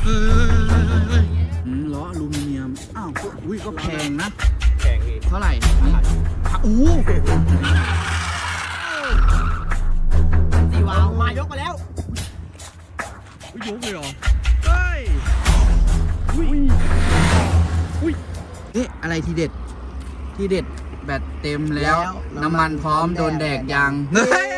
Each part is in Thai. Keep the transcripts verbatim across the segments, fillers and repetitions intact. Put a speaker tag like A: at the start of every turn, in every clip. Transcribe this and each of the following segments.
A: เฮ้ยล้ออลูมิเนียมอ้าวอุ้ยก็แพงนะ
B: แพงพี่
A: เท่าไหร่โอ้
C: สี่วาวมายกมาแล้ว
A: ยกเลยเหรอเฮ้ยอุ้ยอุ้ยเอ๊ะอะไรทีเด็ดทีเด็ดแบตเต็มแล้วน้ำมันพร้อมโดนแดกยางเฮ้ย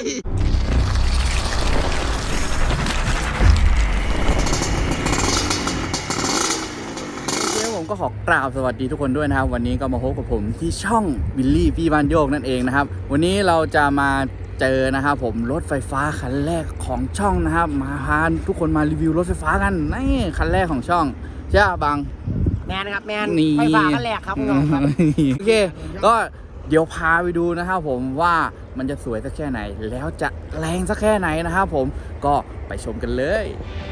A: ผมก็ขอกราบสวัสดีทุกคนด้วยนะครับวันนี้ก็มาพบกับผมที่ช่องวิลลี่พี่บ้านโยกนั่นเองนะครับวันนี้เราจะมาเจอนะครับผมรถไฟฟ้าคันแรกของช่องนะครับมาพาทุกคนมารีวิวรถไฟฟ้ากันนี่คันแรกของช่องใช่บัง
C: แมนครับแมนไฟฟ้าคันแรกครับน้องครับ
A: โอเคก็เดี๋ยวพาไปดูนะครับผมว่ามันจะสวยสักแค่ไหนแล้วจะแรงสักแค่ไหนนะครับผมก็ไปชมกันเลย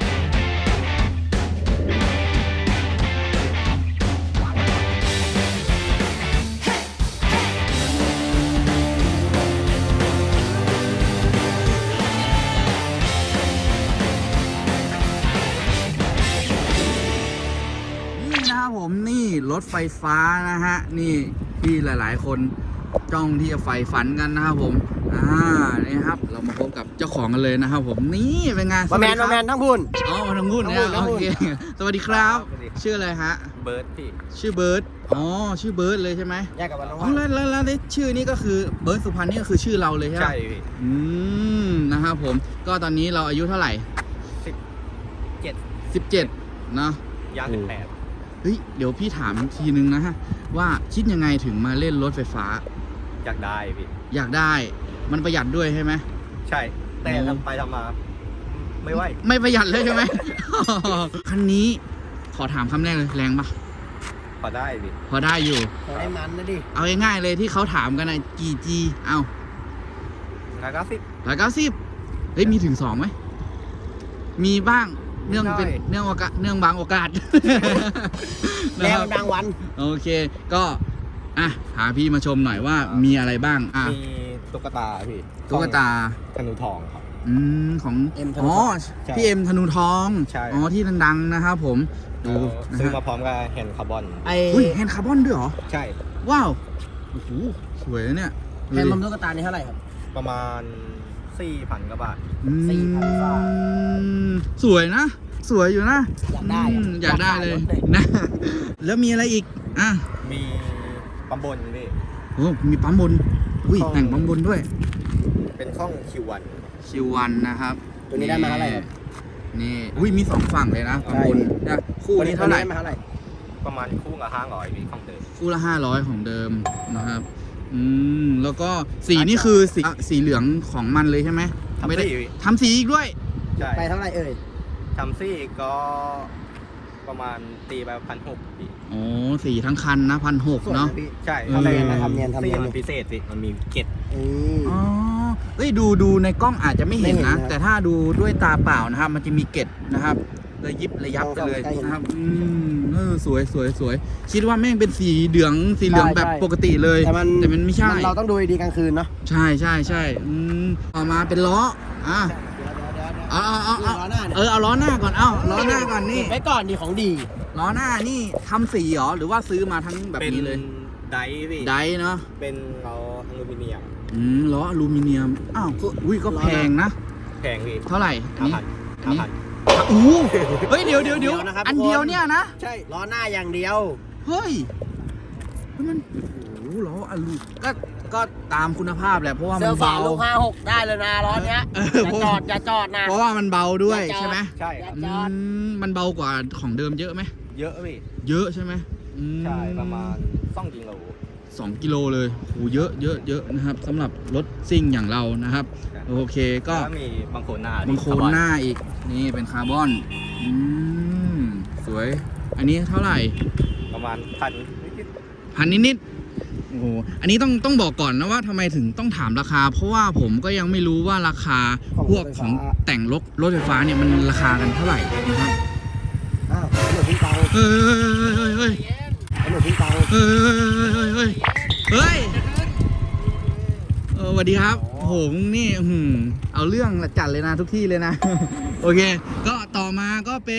A: ผมนี่รถไฟฟ้านะฮะนี่ที่หลายๆคนจ้องที่จะใฝ่ฝันกันนะครับผมอ่านี่ครับเรามาพบกับเจ้าของกันเลยนะครับผมนี่เป็นไง
C: มาแมนมาแมนทั้งพูน
A: อ๋อทั้งพูนเนี่ยโอเคสวัสดีครับชื่ออะไรฮะ
B: เบิร์ดพี่
A: ชื่อเบิร์ดอ๋อชื่อเบิร์ดเลยใช่ไหม
C: แยกกับวันน้อง
A: อ๋อแล้วแล้วแล้วชื่อนี้ก็คือเบิร์ดสุพรรณนี่ก็คือชื่อเราเลยใช่ไหม
B: ใช่พี่
A: อืมนะครับผมก็ตอนนี้เราอายุเท่าไหร่
B: สิบเจ็ด
A: สิบเจ็ดเนาะ
B: ย่างสิบแปด
A: เฮ้ยเดี๋ยวพี่ถามทีนึงนะฮะว่าคิดยังไงถึงมาเล่นรถไฟฟ้า
B: อยากได้พี่
A: อยากได้มันประหยัดด้วยใช่ไหม
B: ใช่แต่ทำไปทำมาไม่ไหว
A: ไม่ประหยัดเลยใช่ไหม คันนี้ขอถามคำแรกเลยแรงปะ
B: พอได้พี่
A: พอได้อยู่
C: พอได้มันนะดิ
A: เอาง่ายๆเลยที่เขาถามกันนะกี่จีเอา
B: ร้อยเก้าสิบ
A: ร้อยเก้าสิบเฮ้ยมีถึงสองไหมมีบ้างเนื่องเป็นเนื่องโอกาสเนื่องบางโอกาส
C: แล้วบางวัน
A: โอเคก็อ่ะหาพี่มาชมหน่อยว่ามีอะไรบ้างอ่ะ
B: มีตุ๊กตาพี่
A: ตุ๊กตา
B: ธนูทองครับ
A: อืมของอ๋อพี่เอ็มธนูทองอ๋อที่ดังๆนะครับผมดู
B: ซื้อมาพร้อมกับแฮนด์คาร์บอน
A: ไอ้แฮนด์คาร์บอนด้วยเหรอ
B: ใช่
A: ว้าวโอ้โหสวยเนี่ย
C: แฮนด์ตุ๊กตานี่เท่าไหร่ครับ
B: ประมาณสี่พันกว่าบาท
C: สี่พันบาท
A: สวยนะสวยอยู่นะ
C: อยากได้
A: อยากได้เลยนะแล้วมีอะไรอีกอ่ะ
B: มีปั๊มบนพี่
A: โอ้มีปั๊มบนอุ้ยแต่งปั๊มบนด้วย
B: เป็นข้อง คิว วัน
A: คิว วัน นะครับ
C: ตัวนี้ได้มาเท่าไหร่ครับ
A: นี่อุ้ยมีสองฝั่งเลยนะปั๊มบนนะคู่นี้เท่าไหร่
B: ประมาณคู่ละห้าร้อยพี่ของเดิม
A: คู่ละห้าร้อยของเดิมนะครับอืมแล้วก็สีนี่คือสีสีเหลืองของมันเลยใช่ไหม
B: ไม่ได้
A: ทำสีอีกด้วย
B: ใช่
C: ไปเท่าไหร่เอ่ย
B: ทำสีก็ประมาณตีไปพันหกปี
A: โอ้สีทั้งคันนะพันหกเนาะ
B: ใช่
C: ทำเนียนทำเนียนทำเนียน
B: มันพิเศษสิมันมีเกล็ด
A: อ๋อเฮ้ยดูดูในกล้องอาจจะไม่เห็นนะแต่ถ้าดูด้วยตาเปล่านะครับมันจะมีเกล็ดนะครับระยิบระยับไปเลยนะครับอืมเออสวยสวยสวยคิดว่าแม่งเป็นสีเหลืองสีเหลืองแบบปกติเลย
C: แต่มัน
A: แต่มันไม่ใช่
C: เราต้องดูดีกลางคืนเนาะ
A: ใช่ใช่ใช่อืมต่อมาเป็นล้ออ่ะเอาเอาเอาเออเอาล้อหน้าก่อนเอาล้อหน้าก่อนนี่
C: ไว้ก่อนดีของดี
A: ล้อหน้านี่ทำสีหรอหรือว่าซื้อมาทั้งแบบนี้เลย
B: ไดพี่
A: ไดเนาะ
B: เป็นล้ออลูมิเนียม
A: อืมล้ออลูมิเนียมอ้าวอุ้ยก็แพงนะ
B: แพงพี่
A: เท่าไหร่
B: อันนี้ห้าพัน
A: โอ้เฮ้ยเดี๋ยวเดี๋ยวเดี๋ยวอันเดียวเนี่ยนะ
C: ใช่ล้อหน้าอย่างเดียว
A: เฮ้ยมันโอ้ล้ออลูก็ก็ตามคุณภาพแหละเพราะว่ามันเบา
C: ลูกห้าหกได้เลยนะล้อเนี้ยอย่าจอดอย่าจอดนะ
A: เพราะว่ามันเบาด้วยใช่ไหม
B: ใช่
A: มันเบากว่าของเดิมเยอะไหม
B: เยอะพี่
A: เยอะใช่ไหม
B: ใช่ประมาณสองกิโล
A: สองกิโลเลยโหเยอะเยอะเยอะนะครับสำหรับรถซิ่งอย่างเรานะครับโอเคก็
B: มีบางโคนหน้า
A: บางโคนหน้าอีกนี่เป็นคาร์บอนอืมสวยอันนี้เท่าไหร่
B: ประมาณพัน
A: พันนิดๆโอ้โหอันนี้ต้องต้องบอกก่อนนะว่าทำไมถึงต้องถามราคาเพราะว่าผมก็ยังไม่รู้ว่าราคาพวกของแต่งรถรถไฟฟ้าเนี่ยมันราคากันเท่าไหร่นะครับ
C: อ้าวหนูทิ้งเตา
A: เฮ้ยเฮ้ยเฮ้ย
C: หนูทิ้งเตา
A: เฮ้ยเฮ้ยเฮ้ยเออสวัสดีครับโหมึงนี่เอาเรื่องจัดเลยนะทุกที่เลยนะโอเคก็ต่อมาก็เป็น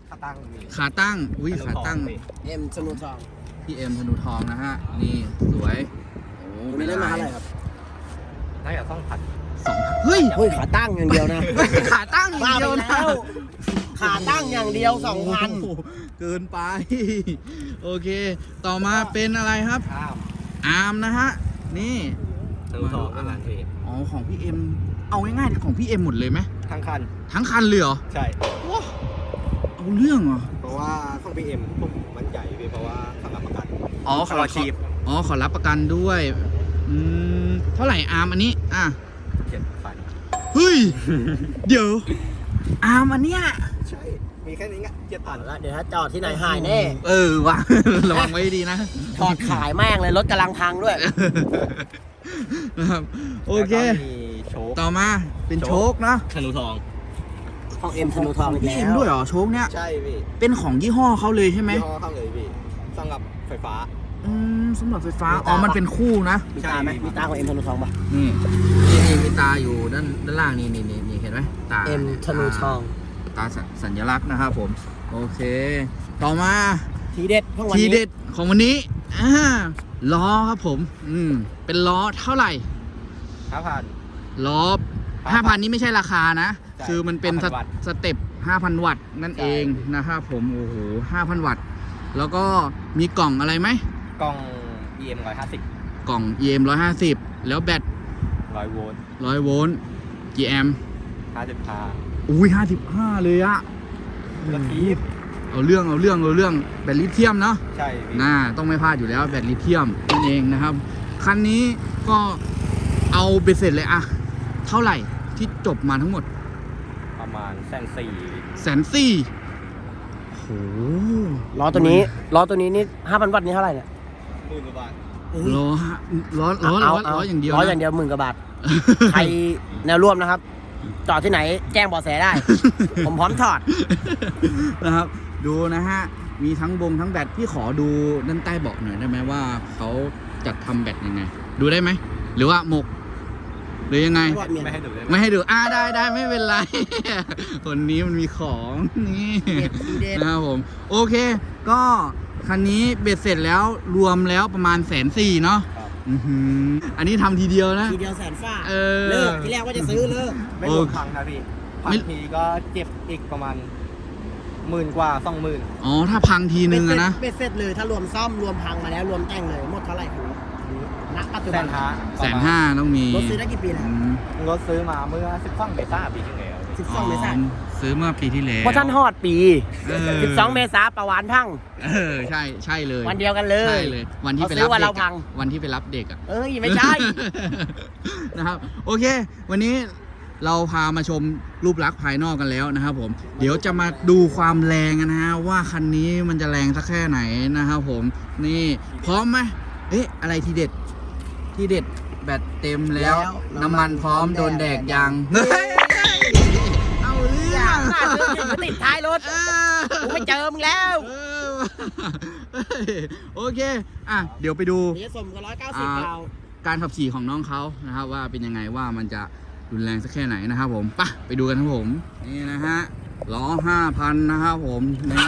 B: ขาตั้งมี
A: ขาตั้งอุ้ยขาตั้ง
C: เอ็มสนุทอง
A: พี่เอ็มธนูทองนะฮะนี่สวยโอ้
C: ตัวนี้ได้มาเท่าไหร่ครับ
B: น่าจะต้องผัด
A: สองเฮ้ย
C: เฮ้ยขาตั้งอย่างเดียวนะ
A: ขาตั้งอย่างเดียวนะ
C: บ้าไปแล้วขาตั้งอย่างเดียวสองพัน
A: โโหเกินไป โอเค ต่อมาเป็นอะไรครับ
B: ข้าม
A: อาร์มนะฮะนี่
B: ทะลุทองอาหารเทศ
A: อ๋อของพี่เอ็มเอาง่ายๆของพี่เอ็มหมดเลยไหม
B: ทั้งคัน
A: ทั้งคันเลยเหรอ
B: ใช่
A: ว้าเอาเรื่องเหรอ
B: เพราะว่าของพีเอ็มผมมันใหญ่พี่เพราะว่าข้างหลังประกัน
A: อ๋อขอ
B: ขอชีพ
A: อ๋อขอรับประกันด้วยอืมเท่าไหร่อาร์มอันนี้อ่ะ
B: เจ็ดพัน
A: เฮ้ย เดี๋ยวอาร์มอันเนี้ย
B: ใช่ มีแค่นี้ไงเจ็ดพัน
C: แล้วเดี๋ยวถ้าจอดที่ไหนหายแน่
A: เออว่ะ ระวังไว้ดีนะ
C: ถอดขายแม่งเลยรถกำลังพังด้วย
A: นะครับโอเค
B: แล้วก็มีโชค
A: ต่อมาเป็นโชคนะ
B: ธนูทอง
C: ของเอ็มสนุทองอีก
A: พี่
C: แล้
A: เอ็ม
C: ว
A: ด้วยเหรอโชคเนี้ย
B: ใช่พี่
A: เป็นของยี่ห้อเขาเลยใช่ไหม
B: ยี่ห้อเข้าเลยพี่สำหรับไฟฟ้า
A: อืมสำหรับไฟฟ้าอ๋อมันเป็นคู่นะ
C: มีตาไหมมีตาของเอ็มสนุทองปะ
A: นี่นี่นี่มีตาอยู่ด้านด้านล่างนี่นี่นี่นี่เห็นไหมตา
C: เอ็มสนุทอง
A: ตาสัญสัญลักษณ์นะครับผมโอเค ต่อมา
C: ทีเด็ดของวัน
A: ที
C: นี้
A: เด็ดของวันนี้อ่าล้อครับผมอืมเป็นล้อเท่าไหร่
B: ห้าพัน
A: ล้อห้าพันนี้ไม่ใช่ราคานะ
B: ใช่
A: คือมันเป็นส
B: ห้าพันวัตต์
A: สเต็ปห้าพันวัตต์นั่น
B: ใช่
A: เองนะครับผมโอ้โหห้าพันวัตต์แล้วก็มีกล่องอะไรไหม
B: กล้อง อี เอ็ม ร้อยห้าสิบ
A: กล่อง อี เอ็ม หนึ่งร้อยห้าสิบแล้วแบต
B: ร้อยโวลต์
A: ร้อยโวลต์กี่แอมป์
B: ห้าสิบห้า
A: อุ้ยห้าสิบห้าเลยอะ
B: กระทีบ
A: เอาเรื่องเอาเรื่องเอาเรื่องแบตลิเธียมเนาะ
B: ใช่พี่
A: น่าต้องไม่พลาดอยู่แล้วแบตลิเธียมนั่นเองนะครับ คันนี้ก็เอาเบ็ดเสร็จเลยอะเท่าไหร่ที่จบมาทั้งหมด
B: ประมาณแสนสี่
A: แสนสี่โห
C: ล้อตัวนี้ล้อตัวนี้นี่ห้าพันวัตต์นี่เท่าไหร่เนี่ย
B: หมื่นกว่าบาท
A: ล้อฮะล้อล้อล้อล้ออย่างเดียว
C: ล้อ
A: นะ
C: อย่างเดียวหมื่นกว่าบาท ใครแนวร่วมนะครับ จอดที่ไหนแจ้งเบาะแสได้ ผมพร้อมถอด
A: นะครับ ดูนะฮะ มีทั้งบงทั้งแบตพี่ขอดูด้านใต้เบาะหน่อยได้ไหมว่าเขาจัดทำแบตยังไง ดูได้ไหมหรือว่าหมก หรือยังไง
B: ไม่ให้ดูได้ไหม
A: ไม่ให้ดูอ่าได้ได้ไม่เป็นไร คนนี้มันมีของนี่
C: เด็ดทีเด็ด
A: นะครับผม โอเค ก็คันนี้เบ็ดเสร็จแล้วรวมแล้วประมาณแสนสี่เนาะ
B: ครับ
A: อื้อหืออันนี้ทำทีเดียวนะ
C: ทีเดียวแสนฟ้า
A: เออ
C: เลิกที่แรกว่าจะซื้อเลิก
B: ไม่รวมพังนะพี่พังทีก็เจ็บอีกประมาณหมื่นกว่าสองหมื่น
A: อ๋อ ถ้าพังทีนึงอะนะ
C: เบ็ดเสร็จเลยถ้ารวมซ่อมรวมพังมาแล้วรวมแต่งเลยหมดเท่าไหร่ครับณปัจจุ
B: แส
C: บัน
B: นห้า
A: แสนห้าต้องมี
C: รถซื้อได้กี่ปีแล้ว
A: อืม
B: รถซื้อมาเมื่อสิบสองเมษายนปีที่แล้ว
C: สิบสองเมษายน
A: ซื้อเมื่อปีที่แล้ว
C: เพราะท่านฮอดปี
A: เออ
C: สิบสองเมษาประวานพัง
A: เออ ใช่ ใช่เลย
C: วันเดียวกันเลย
A: ใช่เลย วันที่ไป
C: เขาซื้
A: รั
C: อบ วัน
A: เด็
C: เรา
A: ก
C: พั
A: อะ
C: ง
A: วันที่ไปรับเด็กอะ
C: เอ้ยไม่ใช่
A: นะครับ โอเค วันนี้เราพามาชมรูปลักษณ์ภายนอกกันแล้วนะครับผม เดี๋ยวจะมาดูความแรงกันนะฮะว่าคันนี้มันจะแรงสักแค่ไหนนะครับผม นี่พร้อมไหมเอ๊ะ อะไรทีเด็ด ที่เด็ดแบตเต็มแล้ว
C: แล้ว
A: น้ำมันพร้อมโดนแดกยางเฮ้ยเอาเรื่
C: อ
A: อย่าง
C: หน้าซื้อถึงก็ติดท้ายรถ
A: เออ
C: กูไม่เจอมึงแล้ว
A: เออเฮ้ยโอเค อ่ะ เดี๋ยวไปดู
C: เดี๋ยวสมกับร้อยเก้าสิบเรา
A: การขับขี่ของน้องเขานะครับ ว่าเป็นยังไงว่ามันจะรุนแรงสักแค่ไหนนะครับผมไปไปดูกันครับผม นี่นะฮะล้อห้าพันนะครับผมนี่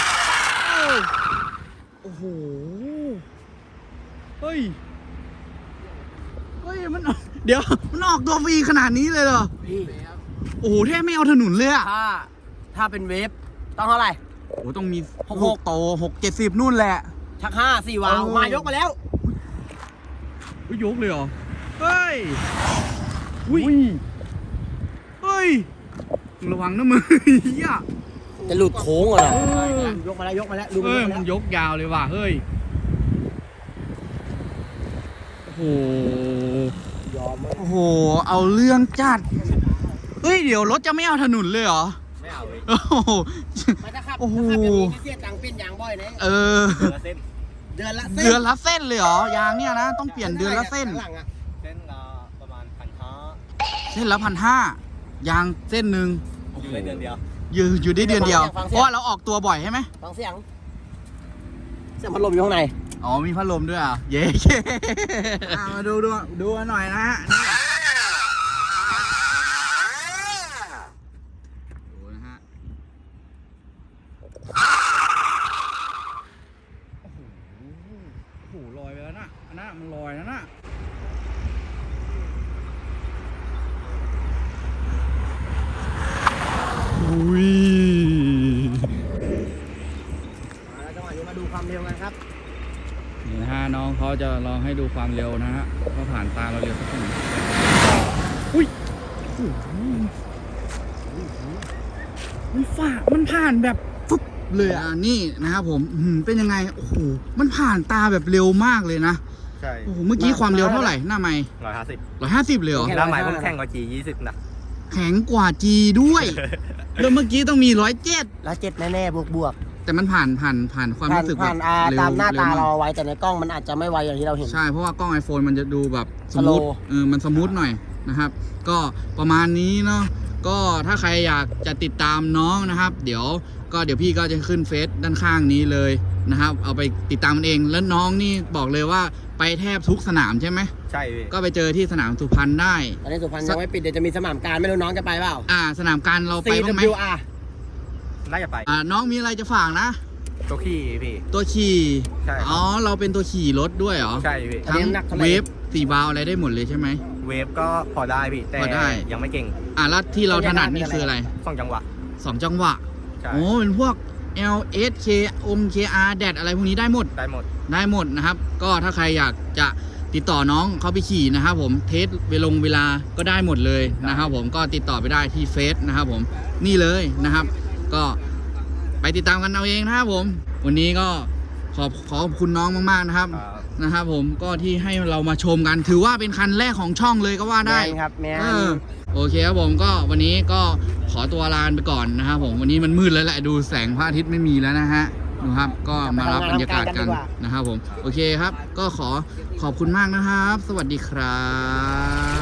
A: โอ้โห เฮ้ย เฮ้ย มัน เดี๋ยว มันออกตัวฟรีขนาดนี้เลยเหรอ
C: พี่
A: โอ้โหแทบไม่เอาถนนเลยอะ
C: ถ้าถ้าเป็นเวฟต้องเท่าไหร่
A: โอ้ต้องมี
C: หก
A: ลูกโตหกเจ็ดสิบนู่นแหละ
C: ชักห้าสี่วาล์ว
A: เออ
C: มายกมาแล้ว
A: อุ้ยยกเลยเหรอ เฮ้ย อุ้ย เฮ้ยมึงระวังนะมึงเฮีย
C: จะหลุดโค้งเหรอ
A: เออ
C: ยกมาแล้วยกมาแล้วดู
A: เฮ้ย
C: มา
A: มั
C: แล้
A: น
C: วย
A: กยาวเลยว่ะ เฮ้ย โอ้โห
C: ยอมมาก
A: โอ้โห เอาเรื่องจัด เฮ้ย เดี๋ยวรถจะไม่เอาถนนเลยเหรอ
B: ไม่เอาเลย
A: โอ้โห
C: ไม่ถ้าขับ
A: โอ้โห
C: ถ้าขับอย่างนี้นี่เสียตังค์เป็นยางบ่อยนะ
A: เออ
B: เดือนละเส้น
C: เดือนละเส้น
A: เดือนละเส้นเลยเหรอ ยางเนี่ยนะ ต้องเปลี่ยนเดือนละเส้น
C: ข้างหลังอะ
B: เส้นละประมาณพันห้า
A: เส้นละพันห้ายางเส้นหนึ่ง
B: อยู่ในเดือนเดียว
A: อยู่อยู่ได้เดือนเดียว เพราะว่าเราออกตัวบ่อยใช่ไหม
C: ฟังเสียงเสียงพัดลมอยู่ข้างใน
A: อ๋อ มีพัดลมด้วยอ่ะ เย้อ่ะมาดูดูดูกันหน่อยนะฮะนี่ดูนะฮะมันลอยแล้วนะอุ้ย
C: มาแล้วจังหวะนี้มาดูความเร็วกันครับ
A: นี่นะฮะน้องเขาจะลองให้ดูความเร็วนะฮะว่าผ่านตาเราเร็วสักแค่ไหนอุ้ยมันฝ่ามันผ่านแบบฟึบเลยอ่ะนี่นะครับผมอื้อหือเป็นยังไงโอ้โหมันผ่านตาแบบเร็วมากเลยนะ
B: ใช่
A: โอ้โหเมื่อกี้ความเร็วเท่าไหร่หน้าไม้
B: ร้อยห้าสิบ
A: ร้อยห้าสิบเลยเหรอ
B: หน้าใหม่ผมแข่งกับจียี่สิบนะ
A: แข็งกว่าจีด้วยแล้วเมื่อกี้ต้องมีร้อยเจ็ด
C: แล้วเจ็ดแน่ๆบวกบวก
A: แต่มันผ่านผ่านผ่านความ
C: ผ่าน
A: รู้สึกแบ
C: ผ่า
A: บ
C: นอา
A: เร็ว
C: ตามหน้าตา
A: ร็วมก
C: เราเอาไว้แต่ในกล้องมันอาจจะไม่ไวอย่างที่เราเห็น
A: ใช่เพราะว่ากล้อง iPhone มันจะดูแบบสมูท
C: Slow
A: เออมันสมูทหน่อยนะครับ ก็ประมาณนี้เนาะก็ถ้าใครอยากจะติดตามน้องนะครับ เดี๋ยวก็เดี๋ยวพี่ก็จะขึ้นเฟซด้านข้างนี้เลยนะครับ เอาไปติดตามมันเองแล้วน้องนี่บอกเลยว่าไปแทบทุกสนามใช่ไหม
B: ใช่พี่
A: ก็ไปเจอที่สนามสุพรรณได้
C: ตอนนี้สุพรรณยังไม่ปิดเดี๋ยวจะมีสนามการไม่รู้น้องจะไปเปล่า
A: อ่าสนามการเราไปบ้างไหม
C: ซี ดับเบิลยู อาร์
B: น่าจะไป
A: อ่าน้องมีอะไรจะฝากนะ
B: ตัวขี่พี่
A: ตัวขี่
B: ใช่ครับ
A: อ๋อเราเป็นตัวขี่รถด้วยเหรอ
B: ใช่พี่
C: อันนี้
A: ทั้ง
C: น้ำหนักเท่าไหร่
A: เวฟสี่วาล์วอะไรได้หมดเลยใช่ไหม
B: เวฟก็พอได้พี่แต่
A: พอได้
B: ยังไม่เก่ง
A: อ่าแล้วที่เราถนัดนี่คืออะไร
B: สองจังหวะ
A: สองจังหวะ
B: ใช่
A: โอ้เป็นพวก L S K อง เค อาร์ แดดอะไรพวกนี้ได้หมด
B: ได้หมด
A: ได้หมดนะครับ ก็ถ้าใครอยากจะติดต่อน้องเขาไปขี่นะครับผมเทสเวลงเวลาก็ได้หมดเลยนะครับผมก็ติดต่อไปได้ที่เฟซนะครับผมนี่เลยนะครับ ก็ไปติดตามกันเอาเองนะครับผม วันนี้ก็ขอบขอขอบคุณน้องมากๆนะครับ
B: ครับ
A: นะครับผมก็ที่ให้เรามาชมกัน ถือว่าเป็นคันแรกของช่องเลยก็ว่าได้
C: แมนครับแมน
A: เออโอเคครับผมก็วันนี้ก็ขอตัวลาไปก่อนนะครับผมวันนี้มันมืดแล้วแหละดูแสงพระอาทิตย์ไม่มีแล้วนะฮะดูครับก็มารับบรรยากาศกันนะครับผมโอเคครับ ก็ขอขอบคุณมากนะครับ สวัสดีครับ